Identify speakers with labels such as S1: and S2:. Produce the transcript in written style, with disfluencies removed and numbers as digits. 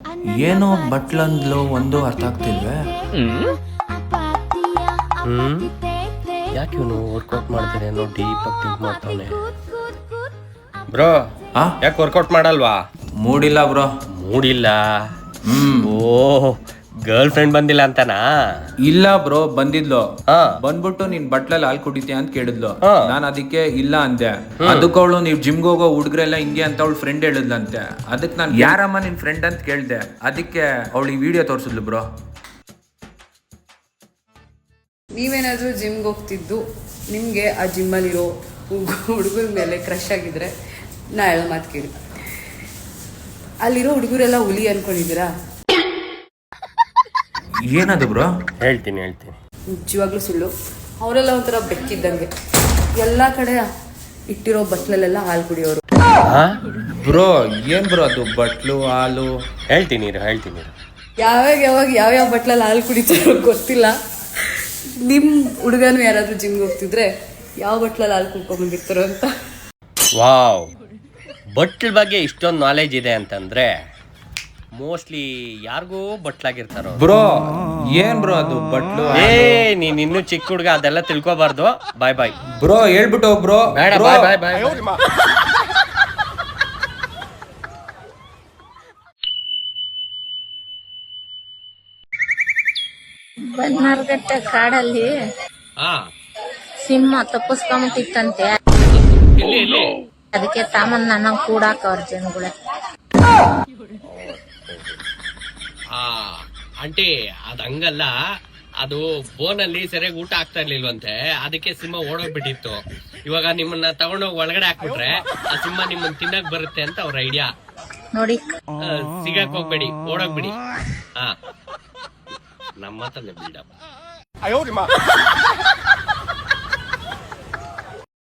S1: ಏನೋ ಬಟ್ಲಂದ್ಲು ಒಂದು ಅರ್ಥ ಆಗ್ತಿಲ್ವೇ.
S2: ಯಾಕೆ ಇವನು ವರ್ಕೌಟ್ ಮಾಡ್ತಾನೆ ಅನ್ನೋ ಡೀಪ್ ಆಗಿ ಥಿಂಕ್ ಮಾಡ್ತಾನೆ. ಬ್ರೋ ಯಾಕೆ ವರ್ಕೌಟ್ ಮಾಡಲ್ವಾ?
S1: ಮೂಡಿಲ್ಲ ಬ್ರೋ.
S2: ಮೂಡಿಲ್ಲ? ಓ ಗರ್ಲ್ ಫ್ರೆಂಡ್ ಬಂದಿಲ್ಲ ಅಂತನಾ?
S1: ಇಲ್ಲ ಬ್ರೋ, ಬಂದಿದ್ಲು. ಬಂದ್ಬಿಟ್ಟು ನೀನ್ ಬಟ್ಲಲ್ಲಿ ಹಾಲು ಕುಡಿತೀಯ ಅಂತ ಕೇಳಿದ್ಲು. ನಾನು ಅದಕ್ಕೆ ಇಲ್ಲ ಅಂದೆ. ಅದಕ್ಕೆ ಅವಳು ನೀವು ಜಿಮ್ಗೆ ಹೋಗೋ ಹುಡುಗ್ರೆಲ್ಲ ಹಿಂಗೆ ಅಂತ ಅವಳು ಫ್ರೆಂಡ್ ಹೇಳಿದ್ಲಂತೆ. ಅದಕ್ಕೆ ನಾನು ಯಾರಮ್ಮ ನಿನ್ ಫ್ರೆಂಡ್ ಅಂತ ಕೇಳ್ದೆ. ಅದಕ್ಕೆ ಅವಳು ಈ ವಿಡಿಯೋ ತೋರಿಸಿದ್ಲು ಬ್ರೋ.
S3: ನೀವೇನಾದರೂ ಜಿಮ್ಗೆ ಹೋಗ್ತಿದ್ದು ನಿಮಗೆ ಆ ಜಿಮ್ಮಲ್ಲಿರೋ ಹುಡುಗರ ಮೇಲೆ ಕ್ರಶ್ ಆಗಿದ್ರೆ ನಾ ಹೇಳೋ ಮಾತು ಕೇಳಿ. ಅಲ್ಲಿರೋ ಹುಡುಗರೆಲ್ಲ ಹುಲಿ ಅನ್ಕೊಂಡಿದ್ದೀರಾ?
S1: ಏನದು ಬ್ರೋ?
S2: ಹೇಳ್ತೀನಿ.
S3: ನಿಜವಾಗ್ಲೂ ಸುಳ್ಳು. ಅವರೆಲ್ಲ ಒಂಥರ ಬೆಕ್ಕಿದ್ದಂಗೆ, ಎಲ್ಲ ಕಡೆ ಇಟ್ಟಿರೋ ಬಟ್ಲಲ್ಲೆಲ್ಲ ಹಾಲು ಕುಡಿಯೋರು.
S1: ಬ್ರೋ ಏನ್ ಬ್ರೋ ಅದು ಬಟ್ಲು ಹಾಲು?
S2: ಹೇಳ್ತೀನಿ.
S3: ಯಾವ್ಯಾವ ಬಟ್ಲಲ್ಲಿ ಹಾಲು ಕುಡಿತಾರೋ ಗೊತ್ತಿಲ್ಲ. ನಿಮ್ಮ ಹುಡುಗನು ಯಾರಾದರೂ ಜಿಮ್ಗೆ ಹೋಗ್ತಿದ್ರೆ ಯಾವ ಬಟ್ಲಲ್ಲಿ ಹಾಲು ಕುಡ್ಕೊಂಡ್ಬಂದಿರ್ತಾರೋ ಅಂತ.
S2: ವಾವ್, ಬಟ್ಲ ಬಗ್ಗೆ ಇಷ್ಟೊಂದು ನಾಲೆಜ್ ಇದೆ ಅಂತಂದ್ರೆ ಮೋಸ್ಟ್ಲಿ ಯಾರಿಗೂ ಬಟ್ಲಾಗಿರ್ತಾರೋ.
S1: ಬ್ರೋ ಏನ್ ಬ್ರೋ ಅದು ಬಟ್ಲು?
S2: ನೀನ್ ಇನ್ನು ಚಿಕ್ಕ ಹುಡುಗ, ಅದೆಲ್ಲ ತಿಳ್ಕೊಬಾರ್ದು. Bye
S1: bro. ಹೇಳ್ಬಿಟ್ಟು ಬ್ರೋ.
S2: ಬೇಡ, ಬಾಯ್.
S4: ಬನ್ನಾರ್ಘಟ್ಟ ಕಾಡಲ್ಲಿ ಸಿಂಹ ತಪ್ಪಿಸ್ಕೊಂಬಿಟ್ಟಿತ್ತಂತೆ. ಅದಕ್ಕೆ ತಾಮನ್ ನನ್ನ ಕೂಡಾಕವ್ರ ಜನಗಳೇ.
S2: ಆಂಟಿ ಅದ್ ಹಂಗಲ್ಲ, ಅದು ಬೋನಲ್ಲಿ ಸರಿಯಾಗಿ ಊಟ ಆಗ್ತಾ ಇರ್ಲಿಲ್ವಂತೆ, ಅದಕ್ಕೆ ಸಿಂಹ ಓಡೋಗ್ಬಿಟ್ಟಿತ್ತು. ಇವಾಗ ನಿಮ್ಮನ್ನ ತಗೊಂಡೋಗಿ ಒಳಗಡೆ ಹಾಕ್ಬಿಟ್ರೆ ಆ ಸಿಂಹ ನಿಮ್ಮನ್ನ ತಿನ್ನಕ್ ಬರುತ್ತೆ ಅಂತ ಅವ್ರ ಐಡಿಯಾ.
S4: ನೋಡಿ,
S2: ಸಿಗಕ್ ಹೋಗ್ಬೇಡಿ, ಓಡೋಗ್ಬಿಡಿ. ನಮ್ಮ ಮಾತಲ್ಲೇ ಬಿಲ್ಡಪ್.